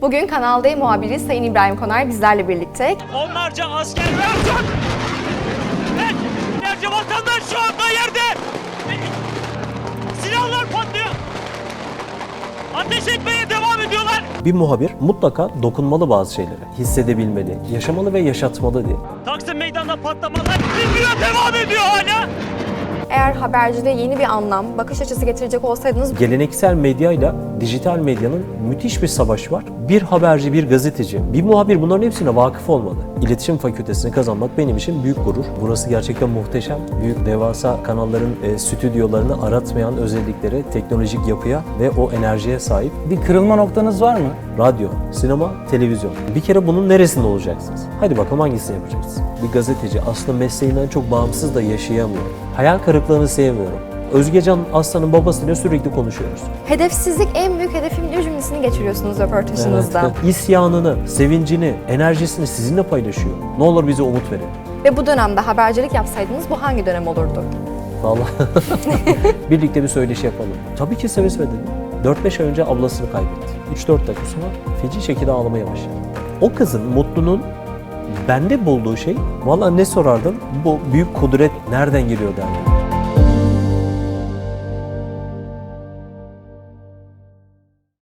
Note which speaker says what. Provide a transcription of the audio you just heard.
Speaker 1: Bugün Kanal D muhabiri Sayın İbrahim Konar bizlerle birlikte.
Speaker 2: Onlarca asker ve uçak! Evet! Binlerce vatandaş şu anda yerde! Silahlar patlıyor! Ateş etmeye devam ediyorlar!
Speaker 3: Bir muhabir mutlaka dokunmalı bazı şeylere, hissedebilmeli, yaşamalı ve yaşatmalı diye.
Speaker 2: Taksim Meydanı'nda patlamalar bilmiyor, devam ediyor hala!
Speaker 1: Eğer habercide yeni bir anlam, bakış açısı getirecek olsaydınız...
Speaker 3: Geleneksel medyayla dijital medyanın müthiş bir savaşı var. Bir haberci, bir gazeteci, bir muhabir bunların hepsine vakıf olmalı. İletişim fakültesini kazanmak benim için büyük gurur. Burası gerçekten muhteşem. Büyük devasa kanalların stüdyolarını aratmayan özelliklere, teknolojik yapıya ve o enerjiye sahip.
Speaker 4: Bir kırılma noktanız var mı?
Speaker 3: Radyo, sinema, televizyon. Bir kere bunun neresinde olacaksınız? Hadi bakalım hangisini yapacaksınız? Bir gazeteci aslında mesleğinden çok bağımsız da yaşayamıyor. Hayal kırıklığını sevmiyorum. Özgecan Aslan'ın babasıyla sürekli konuşuyoruz.
Speaker 1: Hedefsizlik en büyük hedefimin cümlesini geçiriyorsunuz röportajınızda.
Speaker 3: Evet. İsyanını, sevincini, enerjisini sizinle paylaşıyor. Ne olur bize umut verin.
Speaker 1: Ve bu dönemde habercilik yapsaydınız bu hangi dönem olurdu?
Speaker 3: Vallahi birlikte bir söyleşi yapalım. Tabii ki seve seve dedim. 4-5 ay önce ablasını kaybetti. 3-4 dakika sonra feci şekilde ağlamaya başladı. O kızın Mutlu'nun bende bulduğu şey, vallahi ne sorardım, bu büyük kudret nereden geliyor derdim.